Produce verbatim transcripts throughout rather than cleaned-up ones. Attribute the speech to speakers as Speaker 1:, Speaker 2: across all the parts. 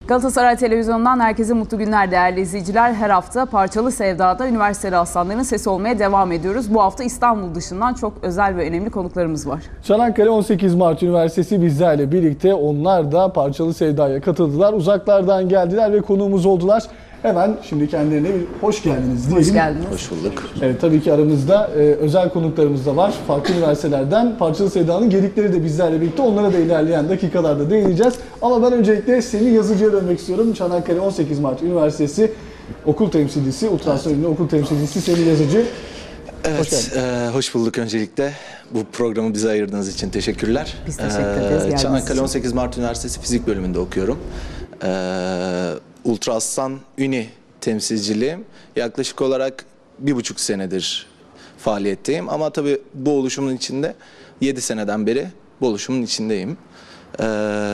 Speaker 1: Galatasaray Televizyonu'ndan herkese mutlu günler değerli izleyiciler. Her hafta Parçalı Sevda'da üniversiteli aslanların sesi olmaya devam ediyoruz. Bu hafta İstanbul dışından çok özel ve önemli konuklarımız var.
Speaker 2: Çanakkale on sekiz Mart Üniversitesi bizlerle birlikte, onlar da Parçalı Sevda'ya katıldılar. Uzaklardan geldiler ve konuğumuz oldular. Hemen şimdi kendilerine bir hoş geldiniz diyelim.
Speaker 1: Hoş geldiniz.
Speaker 3: Hoş bulduk.
Speaker 2: Evet, tabii ki aramızda e, özel konuklarımız da var. Farklı üniversitelerden Parçalı Sevda'nın gedikleri de bizlerle birlikte. Onlara da ilerleyen dakikalarda değineceğiz. Ama ben öncelikle Semih Yazıcı'ya dönmek istiyorum. Çanakkale on sekiz Mart Üniversitesi okul temsilcisi, ultrason ünlü okul temsilcisi Semih Yazıcı.
Speaker 3: Evet,
Speaker 2: hoş,
Speaker 3: e, hoş bulduk öncelikle. Bu programı bize ayırdığınız için teşekkürler.
Speaker 1: Biz teşekkür ederiz.
Speaker 3: E, Çanakkale on sekiz Mart Üniversitesi Fizik bölümünde okuyorum. E, Ultrasan Üni temsilciliğim. Yaklaşık olarak bir buçuk senedir faaliyetteyim. Ama tabii bu oluşumun içinde yedi seneden beri bu oluşumun içindeyim. E,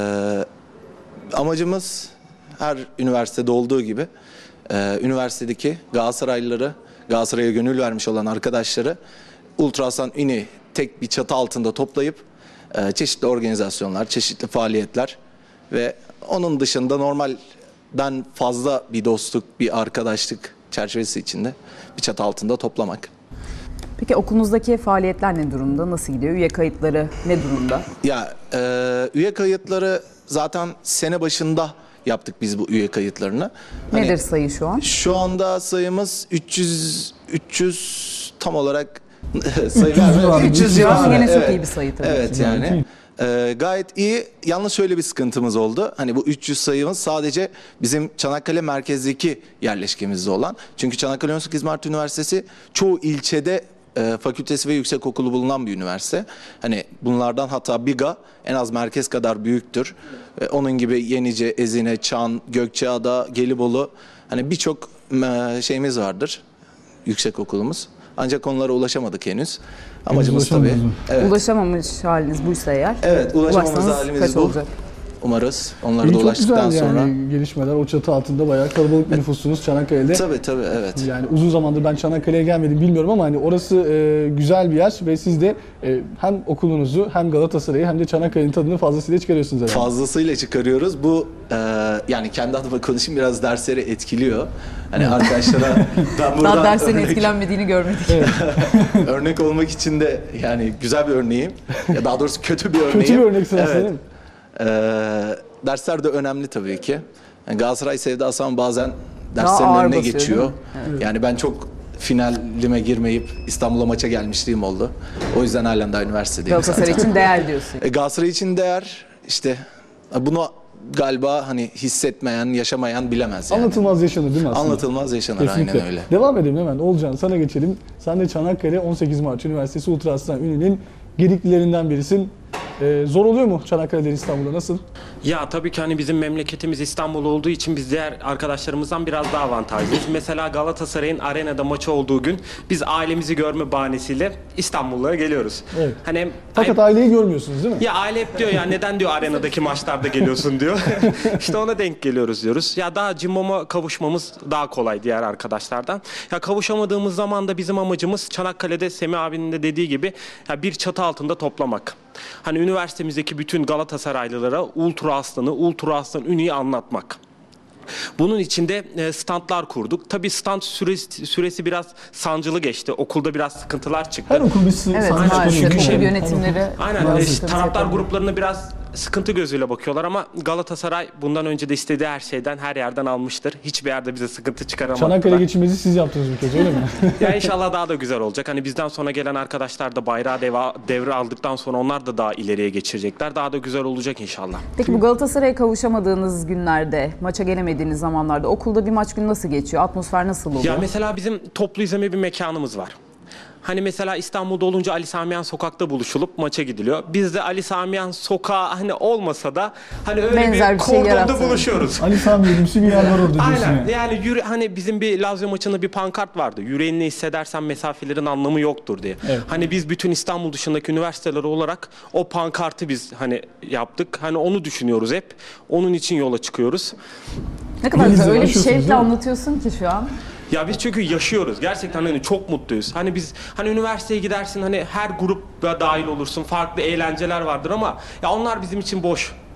Speaker 3: amacımız her üniversitede olduğu gibi e, üniversitedeki Galatasaraylıları, Galatasaray'a gönül vermiş olan arkadaşları Ultrasan Üni tek bir çatı altında toplayıp e, çeşitli organizasyonlar, çeşitli faaliyetler ve onun dışında normalden fazla bir dostluk, bir arkadaşlık çerçevesi içinde bir çatı altında toplamak.
Speaker 1: Peki okulunuzdaki faaliyetler ne durumda? Nasıl gidiyor? Üye kayıtları ne durumda?
Speaker 3: Ya e, üye kayıtları zaten sene başında yaptık biz bu üye kayıtlarını.
Speaker 1: Nedir
Speaker 3: Hani,
Speaker 1: sayı şu an?
Speaker 3: Şu anda sayımız üç yüz üç yüz tam olarak sayı vermiyorum. üç yüz civarı.
Speaker 1: Yine çok
Speaker 3: Evet.
Speaker 1: iyi bir sayı tabii.
Speaker 3: Evet
Speaker 1: ki.
Speaker 3: yani. Ee, gayet iyi. Yalnız şöyle bir sıkıntımız oldu. Hani bu üç yüz sayımız sadece bizim Çanakkale merkezdeki yerleşkemizde olan. Çünkü Çanakkale on sekiz Mart Üniversitesi çoğu ilçede e, fakültesi ve yüksekokulu bulunan bir üniversite. Hani bunlardan hatta Biga en az merkez kadar büyüktür. E, onun gibi Yenice, Ezine, Çan, Gökçeada, Gelibolu, hani birçok e, şeyimiz vardır. Yüksekokulumuz. Ancak onlara ulaşamadık henüz. Amacımız tabii.
Speaker 1: Evet. Ulaşamamış haliniz buysa eğer.
Speaker 3: Evet, ulaşamamız halimiz
Speaker 1: kaç
Speaker 3: bu.
Speaker 1: olacak?
Speaker 3: Umarız. Onları da
Speaker 2: çok
Speaker 3: ulaştıktan
Speaker 2: güzel yani
Speaker 3: sonra.
Speaker 2: gelişmeler. O çatı altında bayağı kalabalık bir nüfusunuz Çanakkale'de.
Speaker 3: Tabii tabii, evet.
Speaker 2: Yani uzun zamandır ben Çanakkale'ye gelmedim bilmiyorum ama hani orası e, güzel bir yer ve siz de e, hem okulunuzu hem Galatasaray'ı hem de Çanakkale'nin tadını fazlasıyla çıkarıyorsunuz herhalde.
Speaker 3: Fazlasıyla çıkarıyoruz. Bu e, yani kendi adıma konuşayım, biraz dersleri etkiliyor. Hani arkadaşlara ben buradan
Speaker 1: Daha derslerin
Speaker 3: örnek,
Speaker 1: etkilenmediğini görmedik.
Speaker 2: Evet.
Speaker 3: örnek olmak için de yani güzel bir örneğim. Ya daha doğrusu kötü bir örneğim.
Speaker 2: Kötü bir örnek sen
Speaker 3: Evet.
Speaker 2: değil mi?
Speaker 3: E, dersler de önemli tabii ki. Yani Galatasaray sevdası ama bazen derslerin
Speaker 1: ağır
Speaker 3: önüne
Speaker 1: basıyor,
Speaker 3: geçiyor.
Speaker 1: değil mi?
Speaker 2: Evet.
Speaker 3: Yani ben çok finalime girmeyip İstanbul'a maça gelmişliğim oldu. O yüzden halen daha üniversitedeyim
Speaker 1: Galatasaray
Speaker 3: zaten.
Speaker 1: için değer diyorsun.
Speaker 3: E, Galatasaray için değer, işte bunu galiba hani hissetmeyen, yaşamayan bilemez yani.
Speaker 2: Anlatılmaz yaşanır değil mi aslında?
Speaker 3: Anlatılmaz yaşanır,
Speaker 2: Kesinlikle.
Speaker 3: aynen öyle.
Speaker 2: Devam edelim hemen. Olcan, sana geçelim. Sen de Çanakkale on sekiz Mart Üniversitesi Ultrasan Üni'nin gediklilerinden birisin. Ee, zor oluyor mu Çanakkale'den İstanbul'a, nasıl?
Speaker 4: Ya tabii ki hani bizim memleketimiz İstanbul olduğu için biz diğer arkadaşlarımızdan biraz daha avantajlıyız. Mesela Galatasaray'ın arenada maçı olduğu gün biz ailemizi görme bahanesiyle İstanbul'a geliyoruz.
Speaker 2: Evet.
Speaker 4: Hani
Speaker 2: Fakat
Speaker 4: ay-
Speaker 2: aileyi görmüyorsunuz değil mi?
Speaker 4: ya aile hep diyor ya neden diyor arenadaki maçlarda geliyorsun diyor. İşte ona denk geliyoruz diyoruz. Ya daha Cimbom'a kavuşmamız daha kolay diğer arkadaşlardan. Ya kavuşamadığımız zaman da bizim amacımız Çanakkale'de Semih abinin de dediği gibi ya bir çatı altında toplamak. Hani üniversitemizdeki bütün Galatasaraylılara Ultra Aslan'ı, Ultra Aslan Üni'yi anlatmak. Bunun için de standlar kurduk. Tabii stand süresi, süresi biraz sancılı geçti. Okulda biraz sıkıntılar çıktı.
Speaker 2: Her okul bir sı-
Speaker 1: Evet,
Speaker 2: sanatçı
Speaker 1: maalesef
Speaker 2: konuyor, değil mi?
Speaker 1: okul yönetimleri.
Speaker 4: Aynen
Speaker 2: Bazı
Speaker 4: e,
Speaker 1: sıkıntı
Speaker 4: taraftar
Speaker 1: yapabilir.
Speaker 4: gruplarına biraz sıkıntı gözüyle bakıyorlar ama Galatasaray bundan önce de istediği her şeyden, her yerden almıştır. Hiçbir yerde bize sıkıntı çıkaramadılar.
Speaker 2: Çanakkale geçirmenizi siz yaptınız bir kez, öyle mi?
Speaker 4: Ya inşallah daha da güzel olacak. Hani bizden sonra gelen arkadaşlar da bayrağı deva, devre aldıktan sonra onlar da daha ileriye geçirecekler. Daha da güzel olacak inşallah.
Speaker 1: Peki bu Galatasaray'a kavuşamadığınız günlerde, maça gelemediğiniz zamanlarda okulda bir maç günü nasıl geçiyor? Atmosfer nasıl oluyor?
Speaker 4: Ya mesela bizim toplu izleme bir mekanımız var. Hani mesela İstanbul'da olunca Ali Samiyan Sokak'ta buluşulup maça gidiliyor. Biz de Ali Samiyan Sokağı hani olmasa da hani öyle
Speaker 1: Benzer
Speaker 4: bir
Speaker 1: bir şey
Speaker 4: kordonda
Speaker 1: yarattınız.
Speaker 4: buluşuyoruz.
Speaker 2: Ali Sami Yedimsi bir yer var orada diyorsun
Speaker 4: Aynen.
Speaker 2: yani.
Speaker 4: Yani yürü, hani bizim bir Lazio maçında bir pankart vardı. Yüreğini hissedersen mesafelerin anlamı yoktur diye.
Speaker 2: Evet.
Speaker 4: Hani biz bütün İstanbul dışındaki üniversiteler olarak o pankartı biz hani yaptık. Hani onu düşünüyoruz hep. Onun için yola çıkıyoruz.
Speaker 1: Ne kadar güzel, öyle bir
Speaker 2: Yaşıyorsunuz,
Speaker 1: şevkle
Speaker 2: değil mi?
Speaker 1: anlatıyorsun ki şu an.
Speaker 4: Ya biz çünkü yaşıyoruz. Gerçekten hani çok mutluyuz. Hani biz hani üniversiteye gidersin, hani her grup dahil olursun. Farklı eğlenceler vardır ama ya onlar bizim için boş.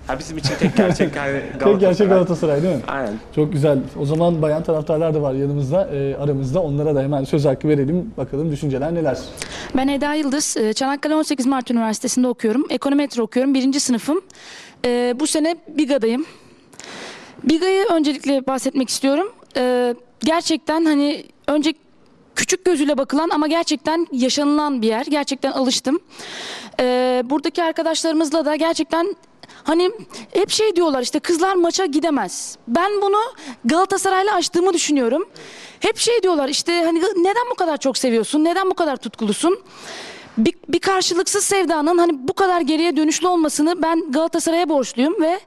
Speaker 4: Ha, bizim için tek gerçek yani Galatasaray.
Speaker 2: Tek gerçek Galatasaray değil mi?
Speaker 4: Aynen.
Speaker 2: Çok güzel. O zaman bayan taraftarlar da var yanımızda, e, aramızda. Onlara da hemen söz hakkı verelim. Bakalım düşünceler neler?
Speaker 5: Ben Eda Yıldız. Çanakkale on sekiz Mart Üniversitesi'nde okuyorum. Ekonometri okuyorum. Birinci sınıfım. Ee, bu sene BİGA'dayım. BİGA'yı öncelikle bahsetmek istiyorum. Ee, gerçekten hani önce küçük gözüyle bakılan ama gerçekten yaşanılan bir yer. Gerçekten alıştım. Ee, buradaki arkadaşlarımızla da gerçekten hani hep şey diyorlar işte kızlar maça gidemez. Ben bunu Galatasaray'la açtığımı düşünüyorum. Hep şey diyorlar işte hani neden bu kadar çok seviyorsun? Neden bu kadar tutkulusun? Bir, bir karşılıksız sevdanın hani bu kadar geriye dönüşlü olmasını ben Galatasaray'a borçluyum ve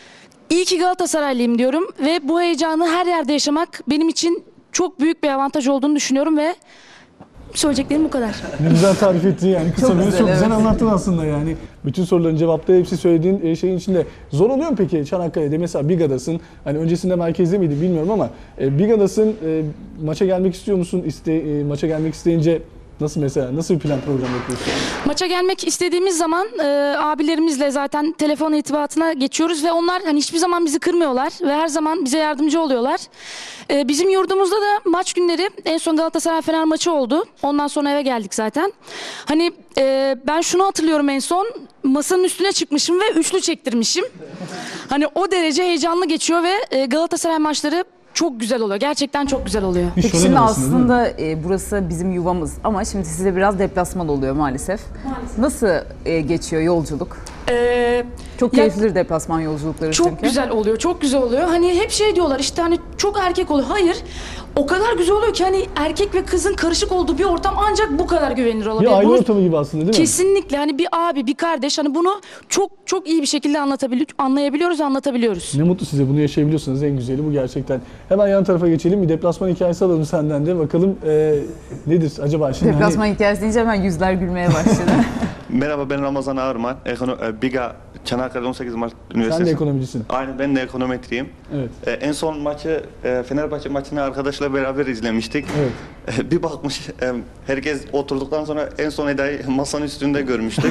Speaker 5: iyi ki Galatasaraylıyım diyorum ve bu heyecanı her yerde yaşamak benim için çok büyük bir avantaj olduğunu düşünüyorum ve söyleyeceklerim bu kadar.
Speaker 2: Ne güzel tarif ettin yani. Kısa
Speaker 1: Çok
Speaker 2: böyle
Speaker 1: güzel,
Speaker 2: çok güzel
Speaker 1: evet.
Speaker 2: anlattın aslında yani. Bütün soruların cevapları hepsi söylediğin e, şeyin içinde. Zor oluyor mu peki Çanakkale'de? Mesela BİGA'dasın. Hani öncesinde merkezde miydin bilmiyorum ama e, BİGA'dasın. E, maça gelmek istiyor musun? İste, e, maça gelmek isteyince nasıl mesela? Nasıl bir plan program yapıyorsun?
Speaker 5: Maça gelmek istediğimiz zaman e, abilerimizle zaten telefon irtibatına geçiyoruz ve onlar hani hiçbir zaman bizi kırmıyorlar ve her zaman bize yardımcı oluyorlar. E, bizim yurdumuzda da maç günleri en son Galatasaray Fener maçı oldu. Ondan sonra eve geldik zaten. Hani e, ben şunu hatırlıyorum en son masanın üstüne çıkmışım ve üçlü çektirmişim. Hani o derece heyecanlı geçiyor ve e, Galatasaray maçları çok güzel oluyor. Gerçekten çok güzel oluyor.
Speaker 2: Bir
Speaker 1: Peki
Speaker 2: şölen
Speaker 1: şimdi
Speaker 2: arasında, değil mi?
Speaker 1: aslında e, burası bizim yuvamız ama şimdi size biraz deplasman oluyor maalesef.
Speaker 5: Maalesef.
Speaker 1: Nasıl e, geçiyor yolculuk?
Speaker 5: E,
Speaker 1: Çok
Speaker 5: Ya-
Speaker 1: keyiflidir deplasman yolculukları
Speaker 5: Çok
Speaker 1: çünkü.
Speaker 5: güzel oluyor, çok güzel oluyor. Hani hep şey diyorlar işte hani çok erkek oluyor. Hayır, o kadar güzel oluyor ki hani erkek ve kızın karışık olduğu bir ortam ancak bu kadar güvenilir olabilir.
Speaker 2: Bir aile
Speaker 5: Bunu
Speaker 2: ortamı gibi aslında değil mi?
Speaker 5: kesinlikle hani bir abi, bir kardeş hani bunu çok çok iyi bir şekilde anlatabiliyor, anlayabiliyoruz, anlatabiliyoruz.
Speaker 2: Ne mutlu size, bunu yaşayabiliyorsunuz, en güzeli bu gerçekten. Hemen yan tarafa geçelim, bir deplasman hikayesi alalım senden de. Bakalım e, nedir acaba şimdi?
Speaker 1: Deplasman hikayesi deyince hemen yüzler gülmeye başladı.
Speaker 6: Merhaba, ben Ramazan Ağırman. Ekono e, BİGA Çanakkale on sekiz Mart
Speaker 2: Hani,
Speaker 6: Üniversitesi.
Speaker 2: sen de ekonomicisin.
Speaker 6: Aynen, ben de ekonometriyim.
Speaker 2: Evet.
Speaker 6: E, en son maçı e, Fenerbahçe maçını arkadaşla beraber izlemiştik.
Speaker 2: Evet.
Speaker 6: E, bir bakmış e, herkes oturduktan sonra en son Eda'yı masanın üstünde görmüştük.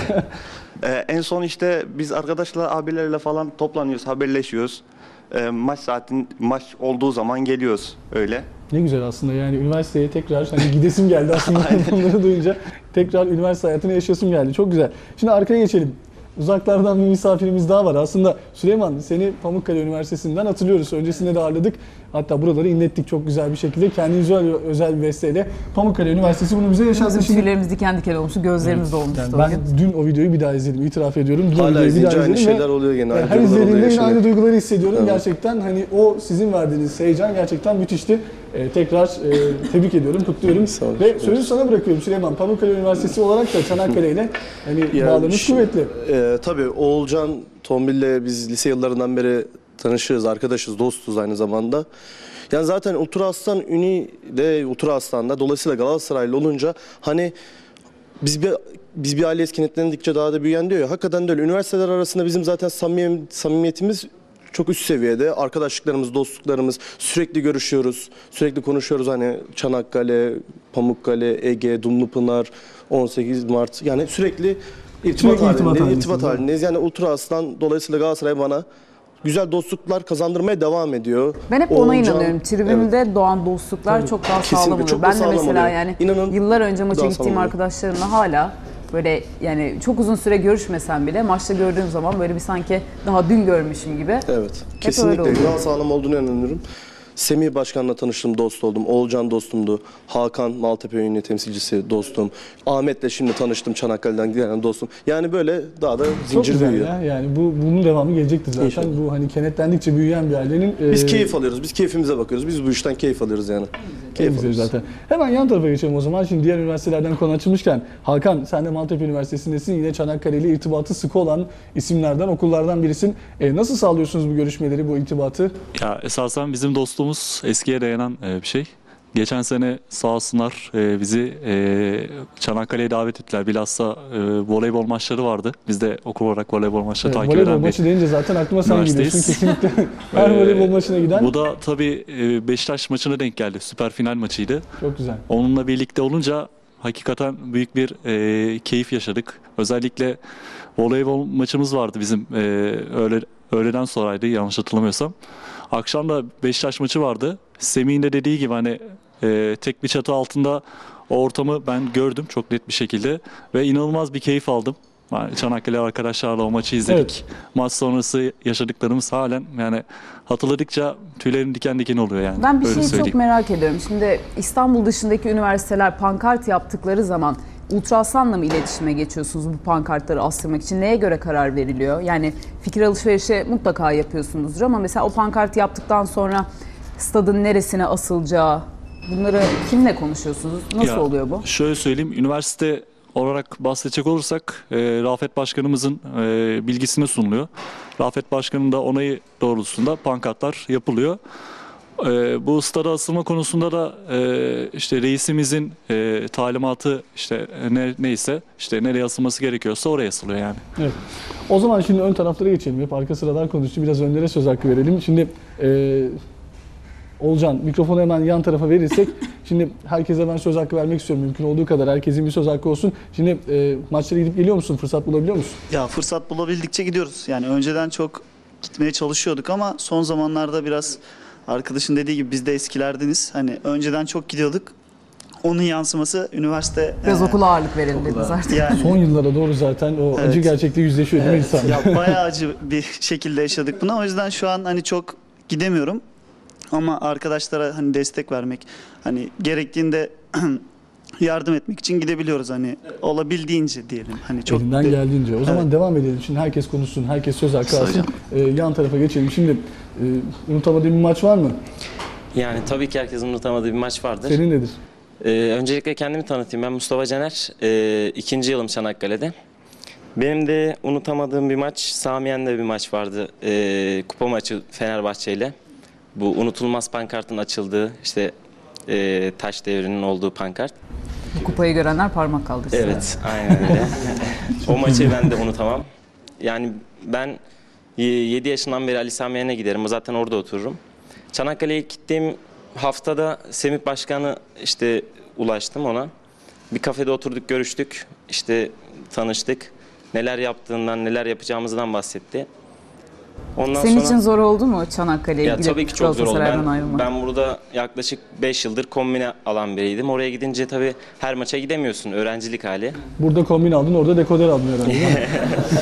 Speaker 6: e, en son işte biz arkadaşla abilerle falan toplanıyoruz, haberleşiyoruz. E, maç saatin maç olduğu zaman geliyoruz öyle.
Speaker 2: Ne güzel aslında yani üniversiteye tekrar hani gidesim geldi aslında bunları duyunca tekrar üniversite hayatını yaşasım geldi. Çok güzel. Şimdi arkaya geçelim. Uzaklardan bir misafirimiz daha var. Aslında Süleyman, seni Pamukkale Üniversitesi'nden hatırlıyoruz. Öncesinde de ağırladık. Hatta buraları inlettik çok güzel bir şekilde. Kendi özel, özel bir besteyle Pamukkale Üniversitesi bunu bize yaşattı.
Speaker 1: Bizim
Speaker 2: Şimdi
Speaker 1: tüylerimiz diken diken olmuştu, gözlerimiz dolmuştu
Speaker 2: yani
Speaker 1: o
Speaker 2: ben
Speaker 1: gün.
Speaker 2: dün o videoyu bir daha izledim. İtiraf ediyorum. Dün o
Speaker 7: Hala
Speaker 2: videoyu bir
Speaker 7: izleyince
Speaker 2: daha
Speaker 7: aynı
Speaker 2: izledim ve
Speaker 7: şeyler oluyor gene. Aynı
Speaker 2: her
Speaker 7: duygular oluyor,
Speaker 2: izlediğimde yine
Speaker 7: yaşanıyor.
Speaker 2: aynı duyguları hissediyorum.
Speaker 7: Evet.
Speaker 2: Gerçekten hani o sizin verdiğiniz heyecan gerçekten müthişti. Ee, tekrar e, tebrik ediyorum, kutluyorum.
Speaker 7: Sağ olun.
Speaker 2: Ve sözü sana bırakıyorum Süleyman. Pamukkale Üniversitesi olarak da Çanakkale ile hani
Speaker 7: Yani
Speaker 2: bağlarınız
Speaker 7: şu-
Speaker 2: kuvvetli.
Speaker 7: E, tabii Oğulcan Tombil'le biz lise yıllarından beri tanışığız, arkadaşız, dostuz aynı zamanda. Yani zaten Ultra Aslan Uni de Ultra Aslan'da, dolayısıyla Galatasaraylı olunca hani biz bir biz bir aile etkinliklendikçe daha da büyüyen diyor ya. Hakikaten de öyle. Üniversiteler arasında bizim zaten samimi, samimiyetimiz çok üst seviyede. Arkadaşlıklarımız, dostluklarımız, sürekli görüşüyoruz. Sürekli konuşuyoruz hani Çanakkale, Pamukkale, Ege, Dumlupınar, on sekiz Mart. Yani sürekli irtibat
Speaker 2: Sürekli irtibat
Speaker 7: halindeyiz.
Speaker 2: halindesiniz,
Speaker 7: irtibat
Speaker 2: değil mi?
Speaker 7: halindeyiz. Yani Ultra Aslan dolayısıyla Galatasaray bana güzel dostluklar kazandırmaya devam ediyor.
Speaker 1: Ben hep ona
Speaker 7: Oğulcan-
Speaker 1: inanıyorum. Tribünde
Speaker 7: Evet.
Speaker 1: doğan dostluklar
Speaker 2: Tabii.
Speaker 1: çok daha
Speaker 7: Kesinlikle,
Speaker 1: sağlam oluyor.
Speaker 7: çok da
Speaker 1: Ben de
Speaker 7: sağlam
Speaker 1: mesela
Speaker 7: oluyor.
Speaker 1: yani
Speaker 7: İnanın
Speaker 1: yıllar önce maça
Speaker 7: daha
Speaker 1: gittiğim
Speaker 7: sağlam oluyor.
Speaker 1: arkadaşlarımla hala böyle yani çok uzun süre görüşmesem bile maçta gördüğüm zaman böyle bir sanki daha dün görmüşüm gibi.
Speaker 7: Evet.
Speaker 1: öyle
Speaker 7: Kesinlikle
Speaker 1: oluyor.
Speaker 7: daha sağlam olduğunu inanıyorum. Semih Başkan'la tanıştım, dost oldum. Oğulcan dostumdu. Hakan Maltepe Ünlü temsilcisi dostum. Ahmet'le şimdi tanıştım, Çanakkale'den gelen dostum. Yani böyle daha da
Speaker 2: Çok
Speaker 7: zincir
Speaker 2: güzel
Speaker 7: büyüyor.
Speaker 2: ya. Yani bu bunun devamı gelecektir zaten.
Speaker 7: İnşallah.
Speaker 2: Bu hani kenetlendikçe büyüyen bir ailenin
Speaker 7: Biz
Speaker 2: e,
Speaker 7: keyif alıyoruz, biz keyfimize bakıyoruz. Biz bu işten keyif alıyoruz yani.
Speaker 2: en
Speaker 7: Keyif
Speaker 2: güzeli
Speaker 7: alıyoruz.
Speaker 2: zaten. Hemen yan tarafa geçelim o zaman. Şimdi diğer üniversitelerden konu açılmışken Hakan, sen de Maltepe Üniversitesi'ndesin. Yine Çanakkale ile irtibatı sıkı olan isimlerden, okullardan birisin. E, nasıl sağlıyorsunuz bu görüşmeleri, bu irtibatı?
Speaker 8: Ya esasen bizim dostluğumuz eskiye dayanan e, bir şey. Geçen sene sağ olsunlar e, bizi e, Çanakkale'ye davet ettiler. Bilhassa e, voleybol maçları vardı. Biz de okul olarak voleybol maçları
Speaker 2: Evet,
Speaker 8: takip
Speaker 2: voleybol
Speaker 8: eden bir
Speaker 2: maçı deyince zaten aklıma sen
Speaker 8: üniversiteyiz.
Speaker 2: geliyorsun kesinlikle. Her
Speaker 8: Ee,
Speaker 2: voleybol maçına giden
Speaker 8: Bu da tabii e, Beşiktaş maçına denk geldi. Süper final maçıydı.
Speaker 2: çok güzel.
Speaker 8: Onunla birlikte olunca hakikaten büyük bir e, keyif yaşadık. Özellikle voleybol maçımız vardı bizim e, öğle, öğleden sonraydı yanlış hatırlamıyorsam. Akşam da Beşiktaş maçı vardı. Semih'in de dediği gibi hani e, tek bir çatı altında o ortamı ben gördüm çok net bir şekilde ve inanılmaz bir keyif aldım. Yani Çanakkale arkadaşlarla o maçı izledik.
Speaker 2: Evet.
Speaker 8: Maç sonrası yaşadıklarımız halen yani hatırladıkça tüylerim diken diken oluyor yani.
Speaker 1: Ben bir
Speaker 8: Öyle
Speaker 1: şeyi çok
Speaker 8: söyleyeyim.
Speaker 1: merak ediyorum. Şimdi İstanbul dışındaki üniversiteler pankart yaptıkları zaman Ultraaslan'la mı iletişime geçiyorsunuz bu pankartları astırmak için? Neye göre karar veriliyor? Yani fikir alışverişi mutlaka yapıyorsunuzdur ama mesela o pankart yaptıktan sonra stadın neresine asılacağı, bunları kimle konuşuyorsunuz? Nasıl
Speaker 8: Ya,
Speaker 1: oluyor bu?
Speaker 8: Şöyle söyleyeyim, üniversite olarak bahsedecek olursak e, Rafet Başkanımızın e, bilgisine sunuluyor. Rafet Başkanı'nın da onayı doğrultusunda pankartlar yapılıyor. E, bu stada asılma konusunda da e, işte reisimizin e, talimatı işte ne, neyse işte nereye asılması gerekiyorsa oraya asılıyor yani.
Speaker 2: Evet. O zaman şimdi ön taraflara geçelim. Hep arka sıralar konuştu. Biraz önlere söz hakkı verelim. Şimdi e, Olcan, mikrofonu hemen yan tarafa verirsek. Şimdi herkese ben söz hakkı vermek istiyorum. Mümkün olduğu kadar herkesin bir söz hakkı olsun. Şimdi e, maçlara gidip geliyor musun? Fırsat bulabiliyor musun?
Speaker 9: Ya fırsat bulabildikçe gidiyoruz. Yani önceden çok gitmeye çalışıyorduk ama son zamanlarda biraz arkadaşın dediği gibi biz de eskilerdeniz. Hani önceden çok gidiyorduk. Onun yansıması üniversite...
Speaker 1: Biraz
Speaker 9: e,
Speaker 1: okula ağırlık verelim dediniz artık.
Speaker 9: Yani,
Speaker 2: Son yıllara doğru zaten o
Speaker 9: Evet.
Speaker 2: acı gerçekle yüzleşiyor değil mi
Speaker 9: evet,
Speaker 2: insan?
Speaker 9: ya bayağı acı bir şekilde yaşadık bunu. O yüzden şu an hani çok gidemiyorum. Ama arkadaşlara hani destek vermek, hani gerektiğinde yardım etmek için gidebiliyoruz hani olabildiğince diyelim. Hani çok
Speaker 2: Elinden
Speaker 9: de-
Speaker 2: geldiğince. O zaman
Speaker 9: Evet.
Speaker 2: devam edelim. Şimdi herkes konuşsun, herkes söz hakkı alsın. Ee, yan tarafa geçelim. Şimdi e, unutamadığın bir maç var mı?
Speaker 10: Yani tabii ki herkesin unutamadığı bir maç vardır.
Speaker 2: Senin nedir?
Speaker 10: Ee, öncelikle kendimi tanıtayım. Ben Mustafa Caner. Ee, ikinci yılım Çanakkale'de. Benim de unutamadığım bir maç, Samiyen'de bir maç vardı. Ee, kupa maçı Fenerbahçe ile. Bu unutulmaz pankartın açıldığı, işte e, taş devrinin olduğu pankart.
Speaker 1: Bu kupayı görenler parmak kaldırsın.
Speaker 10: Evet, aynen öyle. O maçı ben de unutamam. Yani ben yedi yaşından beri Ali Samiyen'e giderim. Zaten orada otururum. Çanakkale'ye gittiğim haftada Semih Başkan'ı işte ulaştım ona. Bir kafede oturduk, görüştük. İşte tanıştık. Neler yaptığından, neler yapacağımızdan bahsetti. Ondan
Speaker 1: Senin
Speaker 10: sonra...
Speaker 1: için zor oldu mu Çanakkale'ye
Speaker 10: Ya
Speaker 1: gidip
Speaker 10: tabii ki çok zor oldu.
Speaker 1: Galatasaray'dan
Speaker 10: Ben,
Speaker 1: ayrılmak?
Speaker 10: ben burada yaklaşık beş yıldır kombine alan biriydim. Oraya gidince tabii her maça gidemiyorsun. Öğrencilik hali.
Speaker 2: Burada kombin aldın, orada dekoder aldın herhalde değil mi?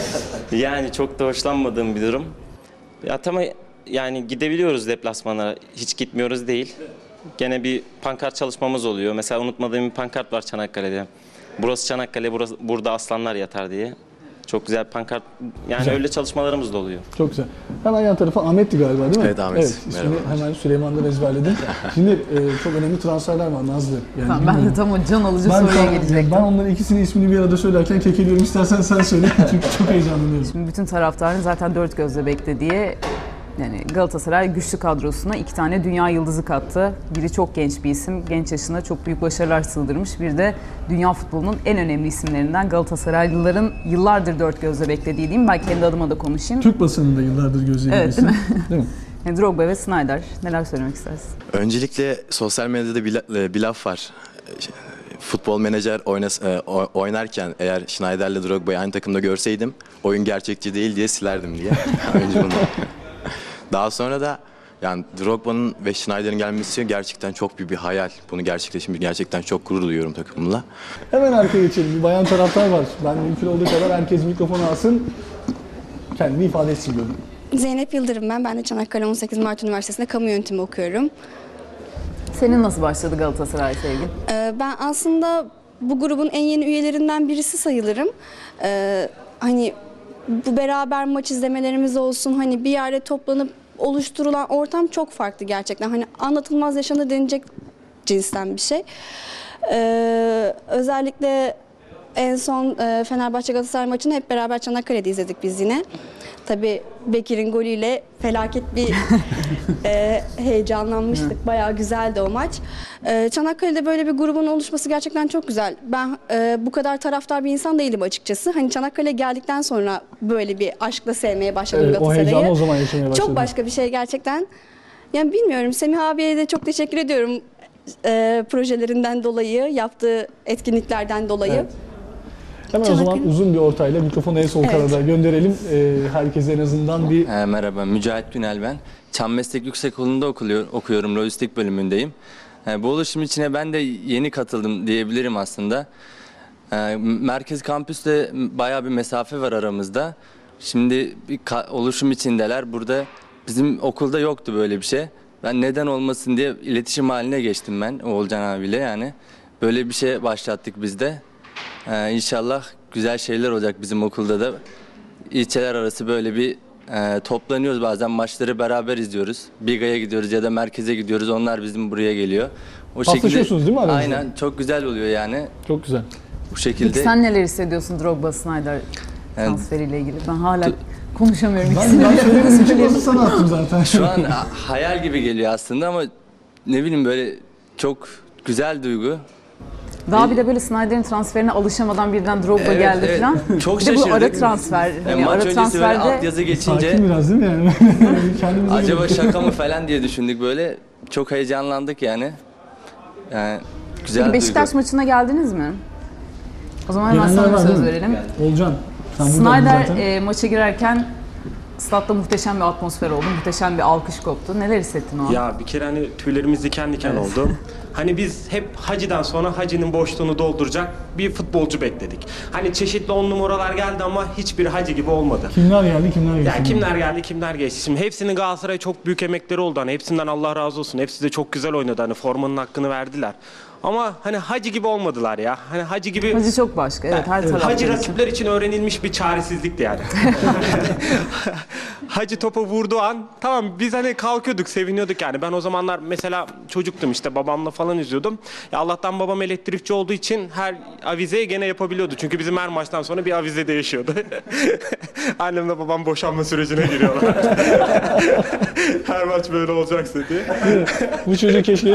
Speaker 10: Yani çok da hoşlanmadığım bir durum. Ya tamam, yani gidebiliyoruz deplasmanlara. Hiç gitmiyoruz değil. Gene bir pankart çalışmamız oluyor. Mesela unutmadığım bir pankart var Çanakkale'de. Burası Çanakkale, burası, burada aslanlar yatar diye. Çok güzel bir pankart. Yani
Speaker 2: Güzel.
Speaker 10: öyle çalışmalarımız da oluyor.
Speaker 2: Çok güzel. Hemen yan tarafa Ahmet'ti galiba değil mi?
Speaker 11: Evet, Ahmet.
Speaker 2: Evet, ismini
Speaker 11: Merhabalar.
Speaker 2: hemen Süleyman'dan ezberledim. Şimdi e, çok önemli transferler var Nazlı. Yani
Speaker 1: Tamam, ben de
Speaker 2: bilmiyorum.
Speaker 1: tam o can alıcı
Speaker 2: ben,
Speaker 1: soruya
Speaker 2: tam-
Speaker 1: gelecektim.
Speaker 2: ben onların ikisinin ismini bir arada söylerken kekeliyorum. İstersen sen söyle. Çünkü çok heyecanlanıyorum.
Speaker 1: Şimdi bütün taraftarın zaten dört gözle beklediği, yani Galatasaray güçlü kadrosuna iki tane dünya yıldızı kattı. Biri çok genç bir isim, genç yaşında çok büyük başarılar sığdırmış. Bir de dünya futbolunun en önemli isimlerinden, Galatasaraylıların yıllardır dört gözle beklediği diyeyim. Ben kendi adıma da konuşayım.
Speaker 2: Türk basınında yıllardır gözlediğim
Speaker 1: Evet,
Speaker 2: isim.
Speaker 1: değil
Speaker 2: Değil mi?
Speaker 1: Yani Drogba ve Snyder. Neler söylemek istersin?
Speaker 11: Öncelikle sosyal medyada bir, la- bir laf var. Futbol menajer oynas, e, o- oynarken eğer Schneider'le Drogba'yı aynı takımda görseydim oyun gerçekçi değil diye silerdim diye. Önce bunu. Daha sonra da yani Drogba'nın ve Schneider'in gelmesi gerçekten çok büyük bir hayal. Bunu gerçekleşmiş, gerçekten çok gurur duyuyorum takımımla.
Speaker 2: Hemen arkaya geçelim. Bir bayan taraftar var. Ben mümkün olduğu kadar herkes mikrofonu alsın. Kendini ifade etsin diyorum.
Speaker 12: Zeynep Yıldırım ben. Ben de Çanakkale on sekiz Mart Üniversitesi'nde kamu yönetimi okuyorum.
Speaker 1: Senin nasıl başladı Galatasaray sevgin?
Speaker 12: Ee, ben aslında bu grubun en yeni üyelerinden birisi sayılırım. Ee, hani bu beraber maç izlemelerimiz olsun, hani bir yerde toplanıp oluşturulan ortam çok farklı gerçekten. Hani anlatılmaz yaşanır denilecek cinsten bir şey. Ee, özellikle en son e, Fenerbahçe Galatasaray maçını hep beraber Çanakkale'de izledik biz yine. Tabii Bekir'in golüyle felaket bir e, heyecanlanmıştık. Bayağı güzeldi o maç. E, Çanakkale'de böyle bir grubun oluşması gerçekten çok güzel. Ben e, bu kadar taraftar bir insan değilim açıkçası. Hani Çanakkale'ye geldikten sonra böyle bir aşkla sevmeye başladım
Speaker 2: Evet, o
Speaker 12: Galatasaray'ı.
Speaker 2: heyecanı o zaman yaşamaya başladım.
Speaker 12: Çok başka bir şey gerçekten. Yani bilmiyorum, Semih abiye de çok teşekkür ediyorum e, projelerinden dolayı, yaptığı etkinliklerden dolayı.
Speaker 2: Evet. Hemen o zaman uzun bir ortayla mikrofonu en sol
Speaker 13: Evet.
Speaker 2: kanada gönderelim. Ee, herkese en azından bir...
Speaker 13: Ee, merhaba, Mücahit Günel ben. Çam Meslek Yüksekokulu'nda okuluyor, okuyorum, lojistik bölümündeyim. Ee, bu oluşum içine ben de yeni katıldım diyebilirim aslında. Ee, merkez kampüste bayağı bir mesafe var aramızda. Şimdi bir ka- oluşum içindeler. Burada bizim okulda yoktu böyle bir şey. Ben neden olmasın diye iletişim haline geçtim ben Oğulcan abiyle yani. Böyle bir şey başlattık biz de. Ee, İnşallah güzel şeyler olacak bizim okulda da. İlçeler arası böyle bir e, toplanıyoruz, bazen maçları beraber izliyoruz. Biga'ya gidiyoruz ya da merkeze gidiyoruz, onlar bizim buraya geliyor. O
Speaker 2: Paslaşıyorsunuz değil mi aranızda?
Speaker 13: Aynen, çok güzel oluyor yani.
Speaker 2: Çok güzel.
Speaker 13: Bu şekilde.
Speaker 1: Peki sen neler hissediyorsun Drogba Snyder
Speaker 13: Yani-
Speaker 1: transferiyle ilgili? Ben hala konuşamıyorum.
Speaker 2: Ben,
Speaker 1: ikisini
Speaker 2: ben
Speaker 1: de.
Speaker 2: söylemedim için pası sana attım zaten.
Speaker 13: Şu an a- hayal gibi geliyor aslında ama ne bileyim böyle çok güzel duygu.
Speaker 1: Daha bir de böyle Snyder'in transferine alışamadan birden Drogba
Speaker 13: Evet,
Speaker 1: geldi
Speaker 13: evet.
Speaker 1: falan.
Speaker 13: Çok
Speaker 1: Bir de bu ara
Speaker 13: şaşırdık.
Speaker 1: transfer.
Speaker 13: Yani
Speaker 1: Hani
Speaker 13: maç
Speaker 1: ara
Speaker 13: öncesi böyle
Speaker 1: transferde
Speaker 13: altyazı geçince
Speaker 2: Sakin biraz değil mi yani? Kendimize
Speaker 13: acaba
Speaker 2: gelip-
Speaker 13: şaka mı falan diye düşündük böyle. Çok heyecanlandık yani. Yani güzel
Speaker 1: Peki
Speaker 13: duygu.
Speaker 1: Beşiktaş maçına geldiniz mi? O zaman hemen
Speaker 2: Gelenler
Speaker 1: sana bir
Speaker 2: var,
Speaker 1: söz
Speaker 2: değil mi?
Speaker 1: verelim.
Speaker 2: Olcan. Sen buradaydın
Speaker 1: Snyder
Speaker 2: zaten.
Speaker 1: e, maça girerken statta muhteşem bir atmosfer oldu. Muhteşem bir alkış koptu. Neler hissettin o an?
Speaker 4: Ya bir kere hani tüylerimiz diken diken oldu. Hani biz hep Hacı'dan sonra Hacı'nın boşluğunu dolduracak bir futbolcu bekledik. Hani çeşitli on numaralar geldi ama hiçbir Hacı gibi olmadı.
Speaker 2: Kimler geldi, kimler geçti?
Speaker 4: Ya kimler geldi, kimler geçti. Şimdi hepsinin Galatasaray'a çok büyük emekleri oldu. Hani hepsinden Allah razı olsun. Hepsi de çok güzel oynadı. Hani formanın hakkını verdiler. Ama hani Hacı gibi olmadılar ya. Hani Hacı gibi...
Speaker 1: Hacı çok başka. Evet, her tarafta.
Speaker 4: Hacı rakipler için öğrenilmiş bir çaresizlikti yani. Hacı topa vurduğu an tamam biz hani kalkıyorduk, seviniyorduk yani. Ben o zamanlar mesela çocuktum işte babamla falan izliyordum. Ya Allah'tan babam elektrikçi olduğu için her avizeyi gene yapabiliyordu. Çünkü bizim her maçtan sonra bir avize değişiyordu. Annemle babam boşanma sürecine giriyorlar. Her maç böyle olacaksa diye.
Speaker 2: Bu çocuk keşke...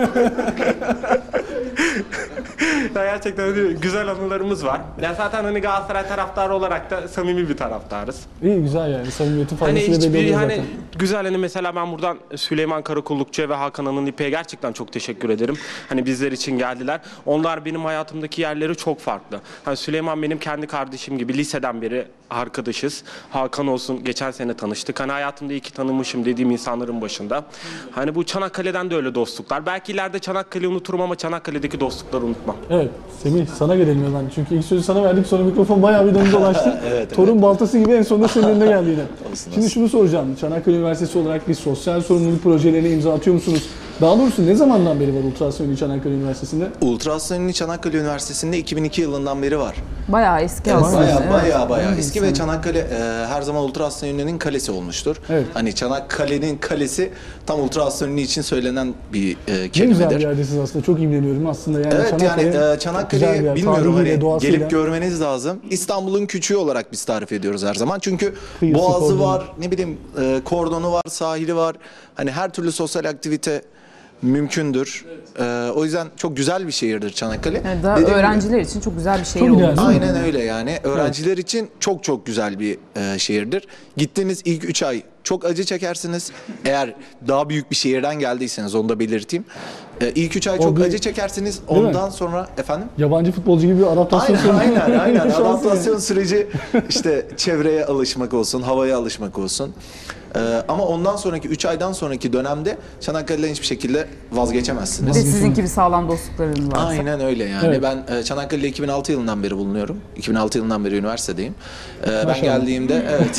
Speaker 4: Ya gerçekten hani güzel anılarımız var. Ya zaten hani Galatasaray taraftarı olarak da samimi bir taraftarız.
Speaker 2: İyi güzel yani. Samimiyetin
Speaker 4: Hani
Speaker 2: faydasıyla belli
Speaker 4: hiçbir
Speaker 2: oluyor
Speaker 4: hani
Speaker 2: zaten.
Speaker 4: güzel hani mesela ben buradan Süleyman Karakullukçu'ya ve Hakan Anıl İpek'e gerçekten çok teşekkür ederim. Hani bizler için geldiler. Onlar benim hayatımdaki yerleri çok farklı. Hani Süleyman benim kendi kardeşim gibi liseden beri arkadaşız. Hakan olsun geçen sene tanıştık. Hani hayatımda iyi ki tanımışım dediğim insanların başında. Hani bu Çanakkale'den de öyle dostluklar. Belki ileride Çanakkale'yi unuturum ama Çanakkale'deki dostlukları unutmam.
Speaker 2: Evet, Semih sana gelelim ya ben. Çünkü ilk sözü sana verdik, sonra mikrofon bayağı bir döndü dolaştı.
Speaker 3: Evet,
Speaker 2: Torun
Speaker 3: evet.
Speaker 2: baltası gibi en sonunda senin önüne geldi yine.
Speaker 3: Olsun,
Speaker 2: Şimdi
Speaker 3: olsun.
Speaker 2: şunu soracağım. Çanakkale Üniversitesi olarak bir sosyal sorumluluk projelerine imza atıyor musunuz? Daha doğrusu ne zamandan beri var Ultrason Çanakkale Üniversitesi'nde?
Speaker 3: Ultrason Çanakkale Üniversitesi'nde iki bin iki yılından beri var.
Speaker 1: Bayağı eski
Speaker 3: Evet,
Speaker 1: aslında.
Speaker 3: bayağı
Speaker 1: Evet.
Speaker 3: bayağı bayağı
Speaker 1: Evet.
Speaker 3: eski ve Çanakkale e, her zaman Ultrason Ünlü'nün kalesi olmuştur.
Speaker 2: Evet.
Speaker 3: Hani Çanakkale'nin kalesi tam Ultrason Ünlü için söylenen bir e,
Speaker 2: Ne güzel bir
Speaker 3: kelimedir.
Speaker 2: yerdesiniz aslında. Çok imreniyorum aslında. Yani
Speaker 3: Evet yani
Speaker 2: Çanakkale
Speaker 3: e,
Speaker 2: güzel bir
Speaker 3: Çanakkale'yi
Speaker 2: yer.
Speaker 3: bilmiyorum
Speaker 2: Tarihiyle,
Speaker 3: hani
Speaker 2: doğasıyla.
Speaker 3: gelip görmeniz lazım. İstanbul'un küçüğü olarak biz tarif ediyoruz her zaman. Çünkü
Speaker 2: Kıyısı,
Speaker 3: boğazı
Speaker 2: kordonu.
Speaker 3: var, ne bileyim e, kordonu var, sahili var. Hani her türlü sosyal aktivite mümkündür. E, o yüzden çok güzel bir şehirdir Çanakkale.
Speaker 1: Evet, daha
Speaker 3: Dediğim gibi-
Speaker 1: öğrenciler için çok güzel bir şehir
Speaker 2: Çok
Speaker 1: oldu.
Speaker 2: ideal. Değil mi?
Speaker 3: Aynen öyle yani. Öğrenciler için çok çok güzel bir e, şehirdir. Gittiğiniz ilk üç ay çok acı çekersiniz. Eğer daha büyük bir şehirden geldiyseniz onu da belirteyim. E, ilk üç ay
Speaker 2: O
Speaker 3: çok
Speaker 2: bir-
Speaker 3: acı çekersiniz.
Speaker 2: Değil mi?
Speaker 3: Ondan sonra efendim?
Speaker 2: Yabancı futbolcu gibi bir adaptasyon
Speaker 3: Aynen
Speaker 2: süreci.
Speaker 3: aynen aynen.
Speaker 2: Şans
Speaker 3: Adaptasyon
Speaker 2: yani.
Speaker 3: süreci işte çevreye alışmak olsun, havaya alışmak olsun. Ee, ama ondan sonraki üç aydan sonraki dönemde Çanakkale'den hiçbir şekilde
Speaker 1: Bir
Speaker 3: vazgeçemezsiniz.
Speaker 1: de sizin gibi sağlam dostluklarınız varsa.
Speaker 3: Aynen öyle yani.
Speaker 2: Evet.
Speaker 3: Ben e, Çanakkale'de iki bin altı yılından beri bulunuyorum. iki bin altı yılından beri üniversitedeyim. Ee, ben
Speaker 2: Maşallah.
Speaker 3: geldiğimde evet.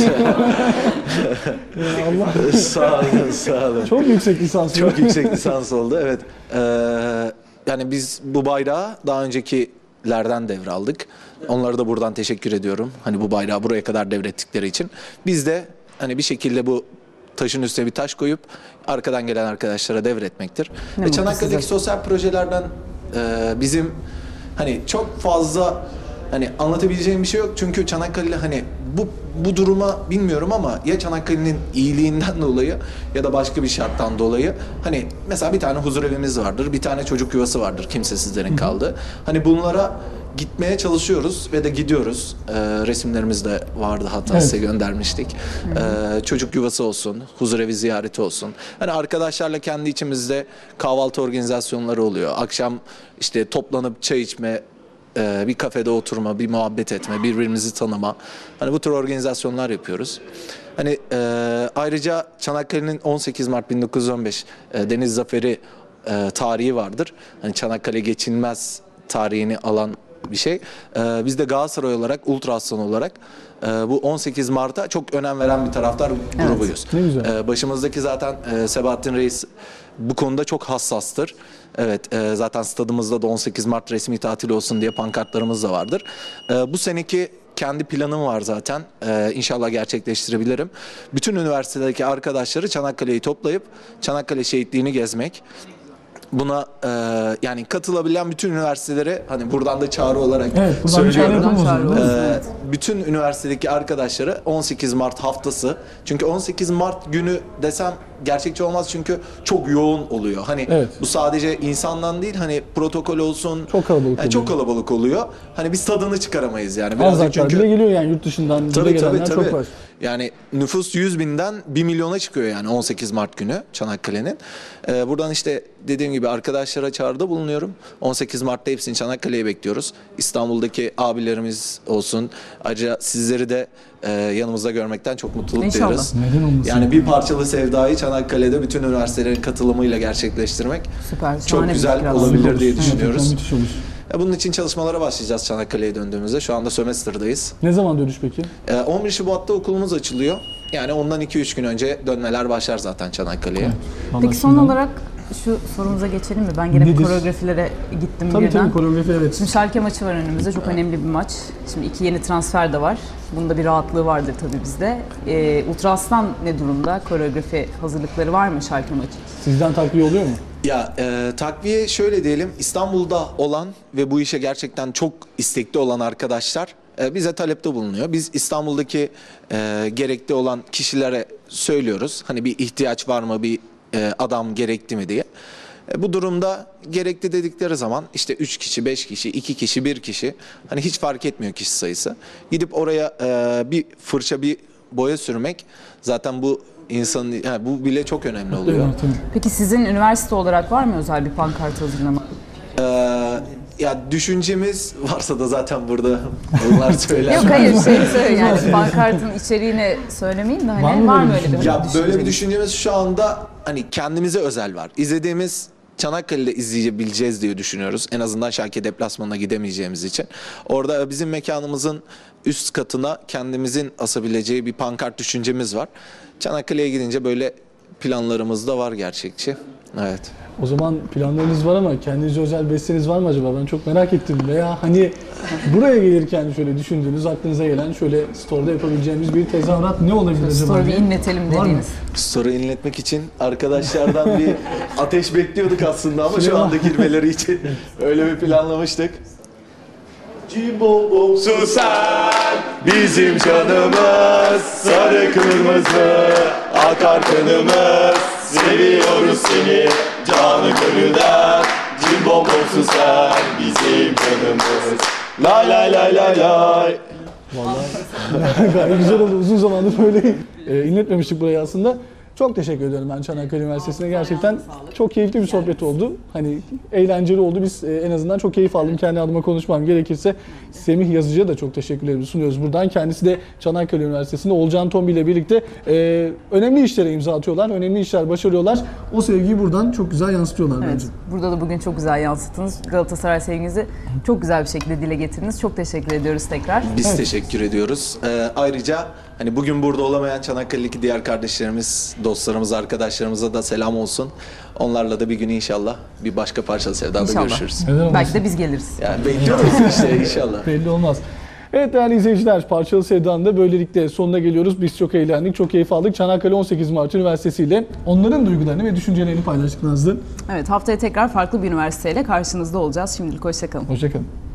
Speaker 2: Ya Allah.
Speaker 3: sağ olun, sağ olun.
Speaker 2: Çok yüksek lisans.
Speaker 3: Çok yüksek lisans oldu. Evet. Ee, yani biz bu bayrağı daha öncekilerden devraldık. Onlara da buradan teşekkür ediyorum. Hani bu bayrağı buraya kadar devrettikleri için. Biz de hani bir şekilde bu taşın üstüne bir taş koyup arkadan gelen arkadaşlara devretmektir.
Speaker 1: Ne
Speaker 3: Ve
Speaker 1: mutlu
Speaker 3: Çanakkale'deki
Speaker 1: size.
Speaker 3: sosyal projelerden e, bizim hani çok fazla hani anlatabileceğim bir şey yok. Çünkü Çanakkale hani bu bu duruma bilmiyorum ama ya Çanakkale'nin iyiliğinden dolayı ya da başka bir şarttan dolayı hani mesela bir tane huzur evimiz vardır, bir tane çocuk yuvası vardır kimsesizlerin kaldığı. Hani bunlara gitmeye çalışıyoruz ve de gidiyoruz. Ee, resimlerimiz de vardı hatta
Speaker 2: Evet.
Speaker 3: size göndermiştik. Ee, çocuk yuvası olsun, huzurevi ziyareti olsun. Hani arkadaşlarla kendi içimizde kahvaltı organizasyonları oluyor. Akşam işte toplanıp çay içme e, bir kafede oturma, bir muhabbet etme, birbirimizi tanıma. Hani bu tür organizasyonlar yapıyoruz. Hani e, ayrıca Çanakkale'nin on sekiz Mart bin dokuz yüz on beş e, Deniz Zaferi e, tarihi vardır. Hani Çanakkale geçilmez tarihini alan bir şey. E, biz de Galatasaray olarak, Ultra Aslan olarak e, bu on sekiz Mart'a çok önem veren bir taraftar grubuyuz.
Speaker 2: Ne güzel.
Speaker 3: E, başımızdaki zaten e, Sebahattin Reis bu konuda çok hassastır. Evet, e, zaten stadımızda da on sekiz Mart resmi tatil olsun diye pankartlarımız da vardır. E, bu seneki kendi planım var zaten. Ee, inşallah gerçekleştirebilirim. Bütün üniversitedeki arkadaşları Çanakkale'yi toplayıp Çanakkale şehitliğini gezmek. Buna e, yani katılabilen bütün üniversitelere hani buradan da çağrı olarak
Speaker 2: Evet, buradan bir çağrı
Speaker 3: söylüyorum.
Speaker 2: yapalım o zaman.
Speaker 3: Ee,
Speaker 1: Evet.
Speaker 3: bütün üniversitedeki arkadaşları on sekiz Mart haftası. Çünkü on sekiz Mart günü desem gerçekçi olmaz çünkü çok yoğun oluyor. Hani
Speaker 2: Evet.
Speaker 3: bu sadece insandan değil hani protokol olsun.
Speaker 2: Çok kalabalık
Speaker 3: yani çok
Speaker 2: oluyor.
Speaker 3: kalabalık oluyor. Hani biz tadını çıkaramayız yani.
Speaker 2: Anzaklar
Speaker 3: Birazcık çünkü
Speaker 2: bile geliyor yani yurt dışından bize
Speaker 3: Tabii tabii
Speaker 2: gelenler
Speaker 3: tabii.
Speaker 2: çok var.
Speaker 3: Yani nüfus yüz binden bir milyona çıkıyor yani on sekiz Mart günü Çanakkale'nin. Ee, buradan işte dediğim gibi arkadaşlara çağrıda bulunuyorum. on sekiz Mart'ta hepsini Çanakkale'ye bekliyoruz. İstanbul'daki abilerimiz olsun. Ayrıca sizleri de e, yanımızda görmekten çok mutluluk
Speaker 1: İnşallah.
Speaker 3: duyuyoruz.
Speaker 2: Neden olmasın?
Speaker 3: Yani bir parçalı sevdayı Çanakkale'de bütün üniversitelerin katılımıyla gerçekleştirmek
Speaker 1: Süper.
Speaker 3: çok
Speaker 1: şahane bir
Speaker 3: güzel
Speaker 1: fikir
Speaker 3: olabilir
Speaker 1: aslında.
Speaker 3: diye
Speaker 2: Evet,
Speaker 3: düşünüyoruz.
Speaker 2: müthiş olur.
Speaker 3: Ya bunun için çalışmalara başlayacağız Çanakkale'ye döndüğümüzde. Şu anda sömestr'dayız.
Speaker 2: Ne zaman dönüş peki?
Speaker 3: Ee, on bir Şubat'ta okulumuz açılıyor. Yani ondan iki üç gün önce dönmeler başlar zaten Çanakkale'ye.
Speaker 1: Peki son olarak şu sorumuza geçelim mi? Ben gene
Speaker 2: Nedir?
Speaker 1: bu koreografilere gittim
Speaker 2: Tabii
Speaker 1: birden.
Speaker 2: tabii koreografi evet.
Speaker 1: Şimdi Schalke maçı var önümüzde. Çok önemli bir maç. Şimdi iki yeni transfer de var. Bunda bir rahatlığı vardır tabii bizde. Ee, Ultra Aslan ne durumda? Koreografi hazırlıkları var mı Schalke maçı?
Speaker 2: Sizden takviye oluyor mu?
Speaker 3: Ya e, takviye şöyle diyelim, İstanbul'da olan ve bu işe gerçekten çok istekli olan arkadaşlar e, bize talepte bulunuyor. Biz İstanbul'daki e, gerekli olan kişilere söylüyoruz. Hani bir ihtiyaç var mı, bir e, adam gerekli mi diye. E, bu durumda gerekli dedikleri zaman işte üç kişi, beş kişi, iki kişi, bir kişi hani hiç fark etmiyor kişi sayısı. Gidip oraya e, bir fırça, bir boya sürmek zaten bu insanın yani bu bile çok önemli oluyor.
Speaker 1: Peki sizin üniversite olarak var mı özel bir pankart hazırlama?
Speaker 3: Ee, ya düşüncemiz varsa da zaten burada onlar söyler.
Speaker 1: Yok hayır şey söyle yani pankartın içeriğini söylemeyeyim de hani
Speaker 2: Var mı
Speaker 1: var
Speaker 2: böyle
Speaker 1: mı öyle bir
Speaker 3: Ya böyle bir
Speaker 1: düşünceniz?
Speaker 3: düşüncemiz şu anda hani kendimize özel var. İzlediğimiz Çanakkale'de izleyebileceğiz diye düşünüyoruz. En azından Schalke deplasmanına gidemeyeceğimiz için. Orada bizim mekanımızın üst katına kendimizin asabileceği bir pankart düşüncemiz var. Çanakkale'ye gidince böyle planlarımız da var gerçekçi. Evet.
Speaker 2: O zaman planlarınız var ama kendinize özel besteniz var mı acaba? Ben çok merak ettim. Veya hani buraya gelirken şöyle düşündüğünüz, aklınıza gelen şöyle store'da yapabileceğimiz bir tezahürat ne olabilir acaba?
Speaker 1: Story bir
Speaker 2: diye.
Speaker 1: inletelim
Speaker 2: Var mı?
Speaker 1: dediğiniz.
Speaker 3: Soru inletmek için arkadaşlardan bir ateş bekliyorduk aslında ama şu anda girmeleri için öyle bir planlamıştık. Cimbom susar bizim canımız, sarı kırmızı akar kanımız, seviyoruz seni canı gönülden. Cimbom susar bizim canımız, lay lay lay lay lay.
Speaker 2: Vallahi gayet güzel oldu. Uzun zamandır böyle e, inletmemiştik burayı aslında. Çok teşekkür ediyorum ben Çanakkale Üniversitesi'ne. Gerçekten çok keyifli bir sohbet oldu. Hani eğlenceli oldu. Biz e, en azından çok keyif aldım. Kendi adıma konuşmam gerekirse Semih Yazıcı'ya da çok teşekkürlerimizi sunuyoruz buradan. Kendisi de Çanakkale Üniversitesi'nde Olcan Tombil ile birlikte e, önemli işlere imza atıyorlar. Önemli işler başarıyorlar. O sevgiyi buradan çok güzel yansıtıyorlar
Speaker 1: Evet,
Speaker 2: bence.
Speaker 1: burada da bugün çok güzel yansıttınız. Galatasaray sevginizi çok güzel bir şekilde dile getirdiniz. Çok teşekkür ediyoruz tekrar.
Speaker 3: Biz
Speaker 2: Evet.
Speaker 3: teşekkür ediyoruz. Ee, ayrıca hani bugün burada olamayan Çanakkale'deki diğer kardeşlerimiz, dostlarımız, arkadaşlarımıza da selam olsun. Onlarla da bir gün inşallah bir başka parçalı sevdada
Speaker 1: İnşallah.
Speaker 3: görüşürüz.
Speaker 2: Neden olmasın?
Speaker 1: Belki de biz geliriz.
Speaker 3: Yani bekliyoruz işte inşallah.
Speaker 2: Belli olmaz. Evet değerli izleyiciler, Parçalı Sevda'nın da böylelikle sonuna geliyoruz. Biz çok eğlendik, çok keyif aldık. Çanakkale on sekiz Mart Üniversitesi ile onların duygularını ve düşüncelerini paylaştık Nazlı.
Speaker 1: Evet, haftaya tekrar farklı bir üniversiteyle karşınızda olacağız. Şimdilik hoşça kalın.
Speaker 2: Hoşça kalın.